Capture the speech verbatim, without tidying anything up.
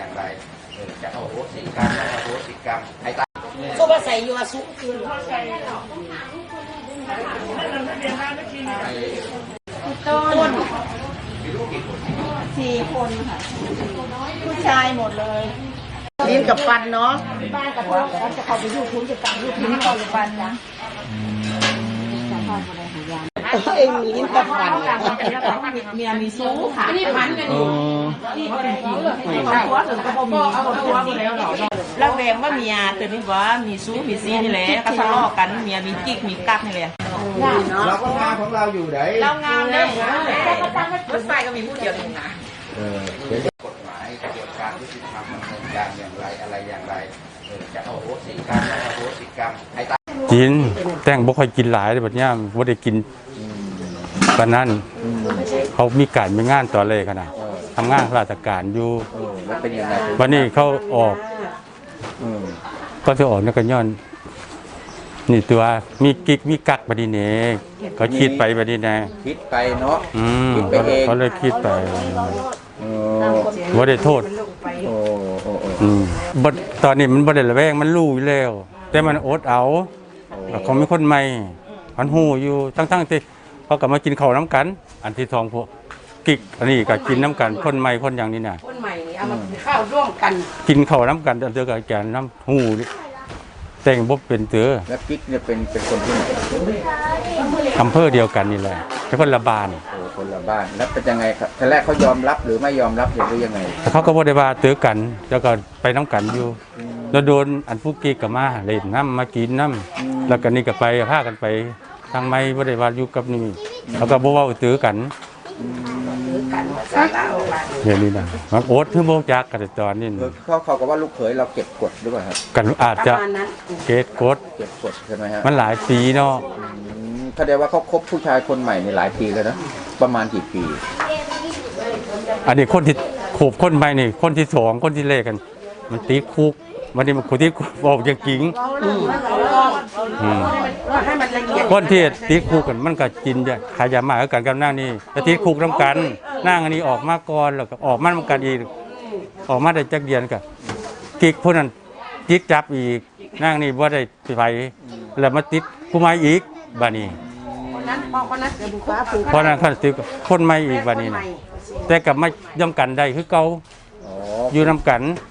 อย่างไรจะเอาโหสิกรรมเอาโหสิกรรมให้ตายก็ว่าใส่ยัวสุคือต้นสี่คนค่ะผู้ชายหมดเลยลิ้นกับฟันเนาะบ้านกับพ่อเขาจะเข้าไปยูทูบจะตังยูทูบให้เขาฟันนะเองมีลิ้นกับฟันเมียมีซู้ค่ะนี่พันกันอยู่นี่เขาตัวถึงก็มีเขาตัวหมดแล้วหรอแล้วแวงว่าเมียตัวนี้ว่ามีซู้มีซีนี่แหละก็ทะเลาะกันเมียมีกิ๊กมีกักนี่แหละเราก็งานของเราอยู่ไหนเรางานเนี่ยรถไฟก็มีผู้เดียวเองนะกฎหมายกระบวนการยุติธรรมดำเนินการอย่างไรอะไรอย่างไรจะเอาโหสิกรรมเอาโหสิกรรมให้ตายกินแต่งบ่ค่อยกินหลายแบบนี้บ่ได้กินปานนั้นเขามีการมีงานต่อเลยขนาดทำงานราชการอยู่วันนี้เขาออกก็จะออกนักย้อนนี่ตัวมีกิ๊กมีกักบัดนี้เนี่ยเขาคิดไปบัดนี้นะคิดไปเนาะคิดไปเองเขาเลยคิดไปบ่ได้โทษตอนนี้มันบ่ได้ระแวงมันรู้อยู่แล้วแต่มันอดเอาเขาไม่คนใหม่มันหูอยู่ทั้งๆที่เขากลับมากินข้าวน้ำกันอันที่ทองพวกกิ๊กอันนี้ก็กินน้ำกันคนใหม่คนอย่างนี้น่ะคนใหม่นี่เอามาข้าวร่วมกันกินข้าวน้ำกันเจอกับแกนน้ำหูแต่งบ่เป็นเตือแล้วกิ๊กเนี่ยเป็นเป็นคนที่ไหนอำเภอเดียวกันนี่แหละเป็นคนละบ้านโอ้คนละบ้านแล้วเป็นยังไงครับทีแรกเขายอมรับหรือไม่ยอมรับหรือยังไงเขาก็บ่ได้ว่าเตือกันแล้วก็ไปน้ำกันอยู่แล้วโดนอันผู้กิ๊กกับมาเล่นน้ำมากินน้ำแล้วก็นี่ก็ไปพากันไปทางไม่บ่ได้ว่าอยู่กับนี่แล้วก็บ่เว้าเตือกันเดี๋ยวนี้นะมันโอ๊ตเพิ่งโมจักกันตอนนี้เขาเขาก็ว่าลูกเขยเราเก็บกดหรือเปล่าครับกันอาจจะเก็บกดเก็บกดใช่ไหมฮะมันหลายปีเนาะเขาเรียกว่าเขาคบผู้ชายคนใหม่ในหลายปีแล้วนะประมาณกี่ปีอันนี้คนที่ขบคนใหม่นี่คนที่สองคนที่เลขกันมันตีคุกวันนี้มันคนที่บอกอย่างจริงคนที่ตีคุกกันมันก็กินจะขายามาแล้วกันกับนั่งนี่แต่ตีคุกน้ำกันนั่งอันนี้ออกมาก่อนแล้วก็ออกมาน้ำกันอีกออกมาได้จักเดียนกับกิ๊กพวกนั้นกิ๊กจับอีกนั่งนี่ว่าได้ไปแล้วมาติดผู้ใหม่อีกบ้านี้เพราะนั้นขั้นติดคนใหม่อีกบ้านี้นะแต่กับไม่ย่อมกันได้คือเก่าอยู่น้ำกัน